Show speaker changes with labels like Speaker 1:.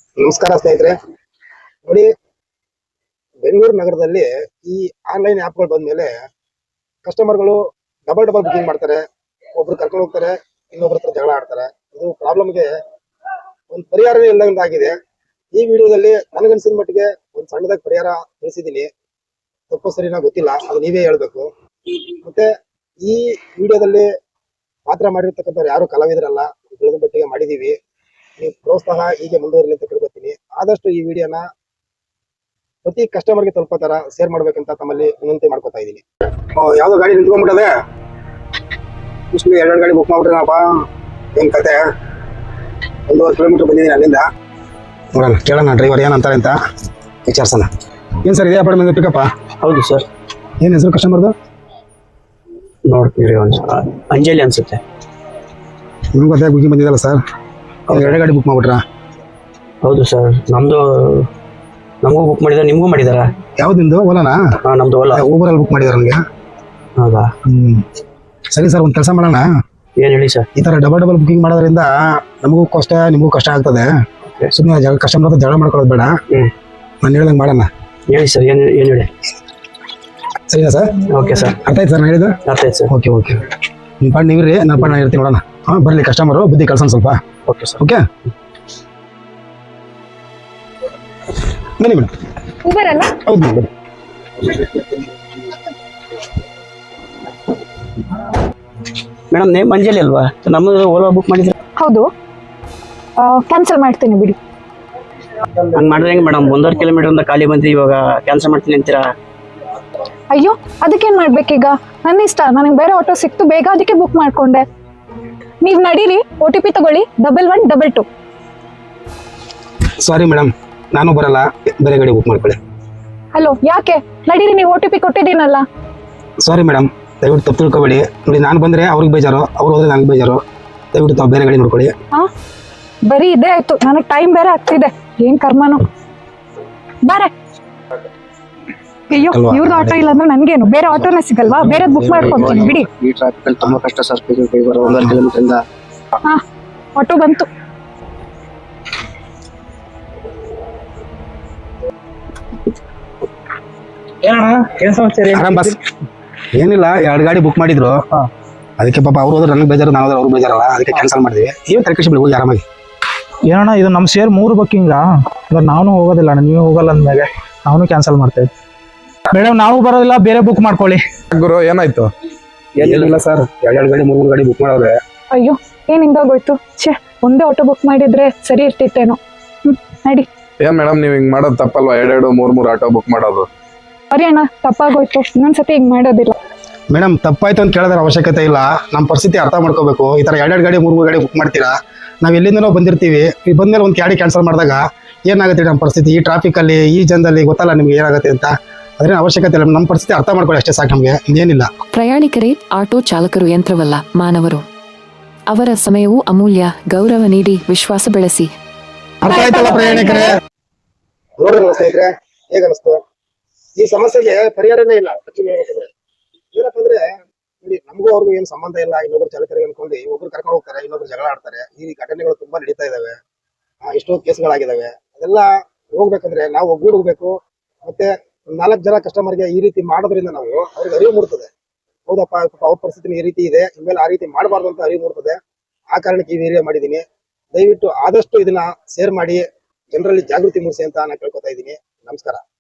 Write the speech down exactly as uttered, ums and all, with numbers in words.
Speaker 1: ನಮಸ್ಕಾರ ಸ್ನೇಹಿತರೆ. ನೋಡಿ, ಬೆಂಗಳೂರು ನಗರದಲ್ಲಿ ಈ ಆನ್ಲೈನ್ ಆ್ಯಪ್ಗಳು ಬಂದ್ಮೇಲೆ ಕಸ್ಟಮರ್ಗಳು ಡಬಲ್ ಡಬಲ್ ಬುಕಿಂಗ್ ಮಾಡ್ತಾರೆ. ಒಬ್ರು ಕರ್ಕೊಂಡು ಹೋಗ್ತಾರೆ, ಇನ್ನೊಬ್ರ ಹತ್ರ ಜಗಳ ಆಡ್ತಾರೆ. ಇದು ಪ್ರಾಬ್ಲಮ್ಗೆ ಒಂದು ಪರಿಹಾರವೇ ಇಲ್ಲದಂತಾಗಿದೆ. ಈ ವಿಡಿಯೋದಲ್ಲಿ ನನಗನ್ಸಿದ ಮಟ್ಟಿಗೆ ಒಂದು ಸಣ್ಣದಾಗಿ ಪರಿಹಾರ ತಿಳಿಸಿದ್ದೀನಿ. ತಪ್ಪು ಸರಿನಾ ಗೊತ್ತಿಲ್ಲ, ಅದು ನೀವೇ ಹೇಳ್ಬೇಕು. ಮತ್ತೆ ಈ ವಿಡಿಯೋದಲ್ಲಿ ಪಾತ್ರ ಮಾಡಿರ್ತಕ್ಕಂಥವ್ರು ಯಾರು ಕಲಾವಿದರಲ್ಲ, ತಿಳಿದ ಮಟ್ಟಿಗೆ ಮಾಡಿದೀವಿ. ನೀವು ಪ್ರೋತ್ಸಾಹ ಹೀಗೆ ಮುಂದುವರಿಲಿ ಅಂತ ಕೇಳ್ಕೊತೀನಿ. ಆದಷ್ಟು ಈ ವಿಡಿಯೋನ ಪ್ರತಿ ಕಸ್ಟಮರ್ಗೆ ತಲುಪೋ ತರ ಶೇರ್ ಮಾಡ್ಬೇಕಂತ ತಮ್ಮಲ್ಲಿ ವಿನಂತಿ ಮಾಡ್ಕೊತಾ ಇದ್ದೀನಿ. ಯಾವ್ದೋ ಗಾಡಿ ನಿಂತ್ಕೊಂಡ್ಬಿಟ್ಟದೆ, ಇಷ್ಟು ಎರಡೆರಡು ಗಾಡಿ ಬುಕ್ ಮಾಡ್ಬಿಟ್ರಪ್ಪ. ಏನ್ ಕತೆ? ಒಂದೂವರೆ ಕಿಲೋಮೀಟರ್ ಬಂದಿದ್ದೀನಿ ಅಲ್ಲಿಂದ. ನೋಡೋಣ, ಕೇಳೋಣ ಡ್ರೈವರ್ ಏನಂತಾರೆ ಅಂತ ವಿಚಾರಿಸೋಣ. ಏನ್ ಸರ್, ಇದೇ ಅಪಾರ್ಟ್ಮೆಂಟ್ ಪಿಕಪ್ಪ?
Speaker 2: ಹೌದು ಸರ್.
Speaker 1: ಏನ್ ಹೆಸರು ಕಸ್ಟಮರ್ದು?
Speaker 2: ನೋಡ್ತೀರಿ ಒಂದು ಅಂಜಲಿ ಅನ್ಸುತ್ತೆ.
Speaker 1: ನಿಮ್ಗೆ ಅದೇ ಬುಕಿಂಗ್ ಬಂದಿದ್ದಲ್ಲ ಸರ್, ಎರಡು ಗಾಡಿ ಬುಕ್ ಮಾಡ್ಬಿಟ್ರಾ?
Speaker 2: ಹೌದು ಸರ್, ನಮ್ದು ನಮಗೂ ಬುಕ್ ಮಾಡಿದಾರೆ, ನಿಮಗೂ ಮಾಡಿದಾರ?
Speaker 1: ಯಾವ್ದು ನಿಮ್ದು? ಓಲಾನಾ?
Speaker 2: ಹಾಂ, ನಮ್ದು ಓಲಾ.
Speaker 1: ಊಬರಲ್ಲಿ ಬುಕ್ ಮಾಡಿದಾರೆ ನನಗೆ.
Speaker 2: ಹೌದಾ?
Speaker 1: ಹ್ಮ್, ಸರಿ ಸರ್, ಒಂದು ಕೆಲಸ ಮಾಡೋಣ.
Speaker 2: ಏನು ಹೇಳಿ ಸರ್?
Speaker 1: ಈ ತರ ಡಬಲ್ ಡಬಲ್ ಬುಕಿಂಗ್ ಮಾಡೋದ್ರಿಂದ ನಮಗೂ ಕಷ್ಟ, ನಿಮಗೂ ಕಷ್ಟ ಆಗ್ತದೆ. ಸುಮ್ಮನೆ ಕಸ್ಟಮರ್ ಹತ್ರ ಜಗಳ ಮಾಡ್ಕೊಳ್ಳೋದು ಬೇಡ.
Speaker 2: ಹ್ಞೂ,
Speaker 1: ನಾನು ಹೇಳ್ದಂಗೆ ಮಾಡೋಣ.
Speaker 2: ಹೇಳಿ ಸರ್, ಏನು ಏನು ಹೇಳಿ.
Speaker 1: ಸರಿನಾ ಸರ್?
Speaker 2: ಓಕೆ ಸರ್,
Speaker 1: ಅರ್ಥ ಆಯ್ತು ಸರ್ ನಾನು ಹೇಳಿದ್ದು?
Speaker 2: ಅರ್ಥ ಆಯ್ತು ಸರ್.
Speaker 1: ಓಕೆ ಓಕೆ, ನಿಮ್ಮ ಪಾಡ್ ನೀವಿರಿ, ನನ್ನ ಪಾಡ್ ನಾನು ಇರ್ತೀನಿ. ನೋಡೋಣ. ಹಾಂ, ಬರಲಿ ಕಸ್ಟಮರು, ಬುದ್ಧಿ ಕಳ್ಸೋಣ ಸ್ವಲ್ಪ.
Speaker 2: Okay sir.
Speaker 1: ಓಕೆ, ಬನ್ನಿ ಮೇಡಮ್.
Speaker 3: ಊಬರ್ ಅಲ್ಲ?
Speaker 1: ಹೌದು ಮೇಡಮ್.
Speaker 2: ಮೇಡಮ್, ನೇಮ್ ಅಂಜಲಿ ಅಲ್ವಾ? ನಮ್ಮದು ಓಲಾ ಬುಕ್ ಮಾಡಿದ್ರೆ.
Speaker 3: ಹೌದು, ಕ್ಯಾನ್ಸಲ್ ಮಾಡ್ತೀನಿ ಬಿಡಿ.
Speaker 2: ಹಂಗೆ ಮಾಡಿದ್ರೆ ಹೆಂಗೆ ಮೇಡಮ್? ಒಂದೂವರೆ ಕಿಲೋಮೀಟರ್ ಅಂತ ಖಾಲಿ ಬಂದು ಇವಾಗ ಕ್ಯಾನ್ಸಲ್ ಮಾಡ್ತೀನಿ ಅಂತೀರಾ?
Speaker 3: ಅಯ್ಯೋ, ಅದಕ್ಕೇನು ಮಾಡ್ಬೇಕೀಗ? ನನ್ನ ಇಷ್ಟ, ನನಗೆ ಬೇರೆ ಆಟೋ ಸಿಕ್ತು ಬೇಗ, ಅದಕ್ಕೆ ಬುಕ್ ಮಾಡ್ಕೊಂಡೆ. ನೀವು ನಡೀರಿ, ಒ ಟಿ ಪಿ ತಗೊಳ್ಳಿ, double one double two.
Speaker 1: Sorry madam, ನಾನು ಬರಲ್ಲ, ಬೇರೆ ಗಾಡಿ ಬುಕ್ ಮಾಡ್ಕೊಳ್ಳಿ.
Speaker 3: ಹಲೋ, ಯಾಕೆ? ನಡೀರಿ, ನೀವು ಒ ಟಿ ಪಿ ಕೊಟ್ಟಿದ್ದೀನಲ್ಲ.
Speaker 1: ಸಾರಿ ಮೇಡಮ್, ದಯವಿಟ್ಟು ತಪ್ಪು ತಿಳ್ಕೊಬೇಡಿ. ನೋಡಿ, ನಾನು ಬಂದರೆ ಅವ್ರಿಗೆ ಬೇಜಾರು, ಅವ್ರು ಹೋದ್ರೆ ನನಗೆ ಬೇಜಾರು. ದಯವಿಟ್ಟು ತಾವು ಬೇರೆ ಗಾಡಿ ನೋಡ್ಕೊಳ್ಳಿ.
Speaker 3: ಹಾಂ, ಬರೀ ಇದೇ ಆಯ್ತು. ನನಗೆ ಟೈಮ್ ಬೇರೆ ಆಗ್ತಿದೆ. ಏನು ಕರ್ಮನು ಬಾರೆ. ಅಯ್ಯೋ, ಇವ್ರದ್ದು ಆಟೋ ಇಲ್ಲ ಅಂದ್ರೆ ನನ್ಗೇನು? ಬೇರೆ ಆಟೋನೇ ಸಿಗಲ್ವಾ? ಬೇರೆ ಬುಕ್ ಮಾಡ್ಕೊಂತೀನಿ ಬಿಡಿ.
Speaker 2: ಈ ಟ್ರಾಫಿಕ್ ಅಲ್ಲಿ ತುಂಬಾ ಕಷ್ಟ ಸರ್. ಒಂದೂವರೆ ಕಿಲೋಮೀಟರ್ ಇಂದ.
Speaker 3: ಹಾ, ಆಟೋ ಬಂತು.
Speaker 1: ಆರಾಮ್ ಬಸ್. ಏನಿಲ್ಲ, ಎರಡು ಗಾಡಿ ಬುಕ್ ಮಾಡಿದ್ರು. ಅದಕ್ಕೆ ಪಾಪ ಅವ್ರು ಹೋದ್ರೆ ನನಗೆ ಬೇಜಾರು, ನಾವು ಹೋದ್ರೆ ಅವ್ರು ಬೇಜಾರಲ್ಲ, ಅದಕ್ಕೆ ಕ್ಯಾನ್ಸಲ್ ಮಾಡಿದ್ವಿ. ಏನು ತರಕಾರಿ ಬಿಡಿ, ಹೋಗಿ ಆರಾಮಾಗಿ.
Speaker 4: ಏನಣ್ಣ ಇದು ನಮ್ಮ ಶೇರ್ ಮೂರು ಬುಕ್ಕಿಂಗಾ? ಅಂದ್ರೆ ನಾನು ಹೋಗೋದಿಲ್ಲ ಅಣ್ಣ, ನೀವು ಹೋಗಲ್ಲ ಅಂದ್ಮೇಲೆ ನಾವು ಕ್ಯಾನ್ಸಲ್ ಮಾಡ್ತೇವೆ. ಮೇಡಮ್, ನಾವು ಬರೋದಿಲ್ಲ, ಬೇರೆ ಬುಕ್ ಮಾಡ್ಕೊಳ್ಳಿ.
Speaker 5: ಗುರು, ಏನಾಯ್ತು?
Speaker 1: ಏನಿಲ್ಲ ಸರ್, ಎರಡೆರಡು ಗಾಡಿ ಮೂರು ಮೂರು ಗಾಡಿ ಬುಕ್ ಮಾಡೋರೆ.
Speaker 3: ಅಯ್ಯೋ, ಏನ್ ಹಿಂಗಾಗೋಯ್ತು? ಛೇ, ಒಂದೇ ಆಟೋ ಬುಕ್ ಮಾಡಿದ್ರೆ ಸರಿ ಇರ್ತಿತ್ತೇನೋ. ಹ್ಮ್, ನಡಿ.
Speaker 5: ಏನ್ ಮೇಡಮ್, ನೀವ್ ಹಿಂಗ್ ಮಾಡೋದು ತಪ್ಪಲ್ವಾ? ಎರಡೆರಡು ಮೂರ್ ಮೂರ್ ಆಟೋ ಬುಕ್ ಮಾಡೋದು.
Speaker 3: ಸರಿ ಅಣ್ಣ, ತಪ್ಪಾಗೋಯ್ತು, ಇನ್ನೊಂದ್ಸತಿ ಹಿಂಗ್ ಮಾಡೋದಿಲ್ಲ.
Speaker 1: ಮೇಡಮ್, ತಪ್ಪಾಯ್ತು ಅಂತ ಕೇಳೋದ್ರ ಅವಶ್ಯಕತೆ ಇಲ್ಲ. ನಮ್ಮ ಪರಿಸ್ಥಿತಿ ಅರ್ಥ ಮಾಡ್ಕೋಬೇಕು. ಈ ಥರ ಎರಡೆರಡು ಗಾಡಿ ಮೂರು ಮೂರು ಗಾಡಿ ಬುಕ್ ಮಾಡ್ತೀರಾ? ನಾವು ಎಲ್ಲಿಂದನೋ ಬಂದಿರ್ತೀವಿ. ಈ ಬಂದ್ಮೇಲೆ ಒಂದು ಗಾಡಿ ಕ್ಯಾನ್ಸಲ್ ಮಾಡಿದಾಗ ಏನಾಗುತ್ತೆ ನಮ್ಮ ಪರಿಸ್ಥಿತಿ? ಈ ಟ್ರಾಫಿಕಲ್ಲಿ, ಈ ಜನದಲ್ಲಿ ಗೊತ್ತಲ್ಲ ನಿಮ್ಗೆ ಏನಾಗುತ್ತೆ ಅಂತ. ಅದ್ರೇನು ಅವಶ್ಯಕತೆ ಇಲ್ಲ. ನಮ್ಮ ಪರಿಸ್ಥಿತಿ ಅರ್ಥ ಮಾಡ್ಕೊಳ್ಳಿ ಅಷ್ಟೇ ಸಾಕು ನಮಗೆ, ಇನ್ನೇನಿಲ್ಲ.
Speaker 6: ಪ್ರಯಾಣಿಕರೇ, ಆಟೋ ಚಾಲಕರು ಯಂತ್ರವಲ್ಲ, ಮಾನವರು. ಅವರ ಸಮಯವು ಅಮೂಲ್ಯ. ಗೌರವ ನೀಡಿ, ವಿಶ್ವಾಸ ಬೆಳೆಸಿ.
Speaker 1: ಅರ್ಥ ಆಯ್ತಲ್ಲ ಪ್ರಯಾಣಿಕರೇ? ನೋಡ್ರಿ ಸ್ನೇಹಿತರೆ, ಹೇಗ ಅನಿಸ್ತು? ಈ ಸಮಸ್ಯೆಗೆ ಪರಿಹಾರನೇ ಇಲ್ಲ. ಏನಪ್ಪ ಅಂದ್ರೆ, ನೋಡಿ, ನಮಗೂ ಅವ್ರಿಗೂ ಏನು ಸಂಬಂಧ ಇಲ್ಲ. ಇನ್ನೊಬ್ರು ಚಾಲಕರಿಗೆ ಅನ್ಕೊಂಡು ಒಬ್ರು ಕರ್ಕೊಂಡು ಹೋಗ್ತಾರೆ, ಇನ್ನೊಬ್ರು ಜಗಳ ಆಡ್ತಾರೆ. ಈ ಘಟನೆಗಳು ತುಂಬಾ ನಡೀತಾ ಇದಾವೆ. ಎಷ್ಟೋ ಕೇಸ್ಗಳಾಗಿದ್ದಾವೆ. ಅದೆಲ್ಲ ಹೋಗ್ಬೇಕಂದ್ರೆ ನಾವು ಒಗ್ಗೂಡ್ಬೇಕು. ಮತ್ತೆ ನಾಲ್ಕು ಜನ ಕಸ್ಟಮರ್ಗೆ ಈ ರೀತಿ ಮಾಡೋದ್ರಿಂದ ನಾವು ಅವ್ರಿಗೆ ಅರಿವು ಮೂಡ್ತದೆ. ಹೌದಪ್ಪ, ಅವ್ರ ಪರಿಸ್ಥಿತಿ ಈ ರೀತಿ ಇದೆ, ಇನ್ಮೇಲೆ ಆ ರೀತಿ ಮಾಡಬಾರ್ದು ಅಂತ ಅರಿವು ಮೂಡ್ತದೆ. ಆ ಕಾರಣಕ್ಕೆ ಈ ವಿಡಿಯೋ ಮಾಡಿದ್ದೀನಿ. ದಯವಿಟ್ಟು ಆದಷ್ಟು ಇದನ್ನ ಶೇರ್ ಮಾಡಿ, ಜನರಲ್ಲಿ ಜಾಗೃತಿ ಮೂಡಿಸಿ ಅಂತ ನಾನು ಕೇಳ್ಕೊತಾ ಇದ್ದೀನಿ. ನಮಸ್ಕಾರ.